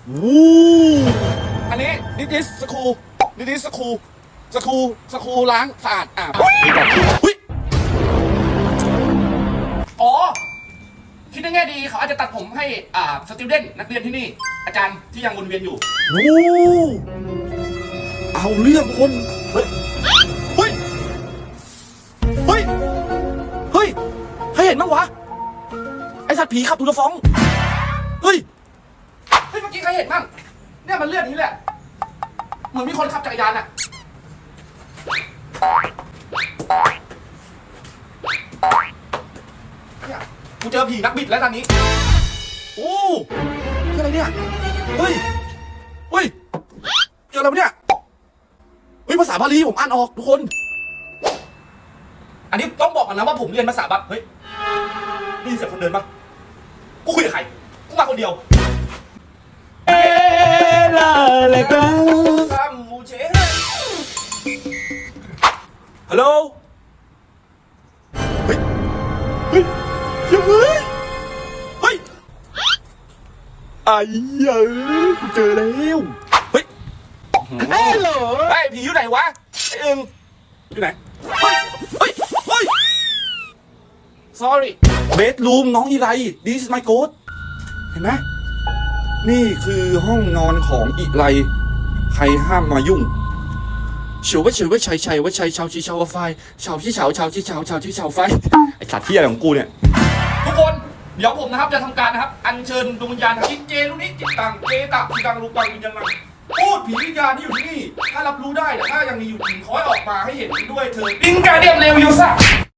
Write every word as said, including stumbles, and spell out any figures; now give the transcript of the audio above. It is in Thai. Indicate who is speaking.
Speaker 1: วู้อันนี้ดิดิสสคูดิดิสสคูสคูสคูล้างสะอาดอ่ะหุ้ยอ๋อคิดในแง่ดีเขาอาจจะตัดผมให้อ่าสติวเดนนักเรียนที่นี่อาจารย์ที่ยังวนเวียนอยู่โอ้เอาเรื่องคนเฮ้ยเฮ้ยเฮ้ยเฮ้ยให้เห็นมั้งวะไอสัตว์ผีขับตูดฟ้องเฮ้ยเฮ้ยเมื่อกี้ใครเห็นบ้างเนี่ยมันเลือดนี้แหละเหมือนมีคนขับจักรยานอะเนี่ยกูเจอผีนักบิดแล้วตอนนี้โอ้เจออะไรเนี่ยเฮ้ยเฮ้ยเจออะไรเนี่ยเฮ้ยภาษาบาลีผมอ่านออกทุกคนอันนี้ต้องบอกกันนะว่าผมเรียนภาษาบาลีเฮ้ยนี่เสียงคนเดินปะกูคุยกับใครกูมาคนเดียวเอลาเลกัมมูเชฮัลโหลเฮ้ยเฮ้ยยังเฮ้ยเฮ้ยไอ้เหี้ยกูเจอแล้วเฮ้ยฮัลโหลไอ้ผีอยู่ไหนวะไอ้อึงอยู่ไหนเฮ้ยเฮ้ยเฮ้ย sorry bedroom น้องอีไร this is my ghost เห็นไหมนี่คือห้องนอนของอีไรใครห้ามมายุ่งเฉียวว่าเฉียวว่าชัยชัยว่าชัยชาวชีชาวไฟชาวชีชาวชาวชีชาวชาวชีชาวไฟไอสัตว์ที่อะไรของกูเนี่ยทุกคนเดี๋ยวผมนะครับจะทำการนะครับอัญเชิญดวงวิญญาณจิตเจลุนิจิตตังเจตะจิตังรูปังวิญญาณพูดผีวิญญาณที่อยู่ที่นี่ถ้ารับรู้ได้แต่ถ้ายังมีอยู่จริงขอให้ออกมาให้เห็นด้วยเถิดอิงการเดียมเลวยูซ่า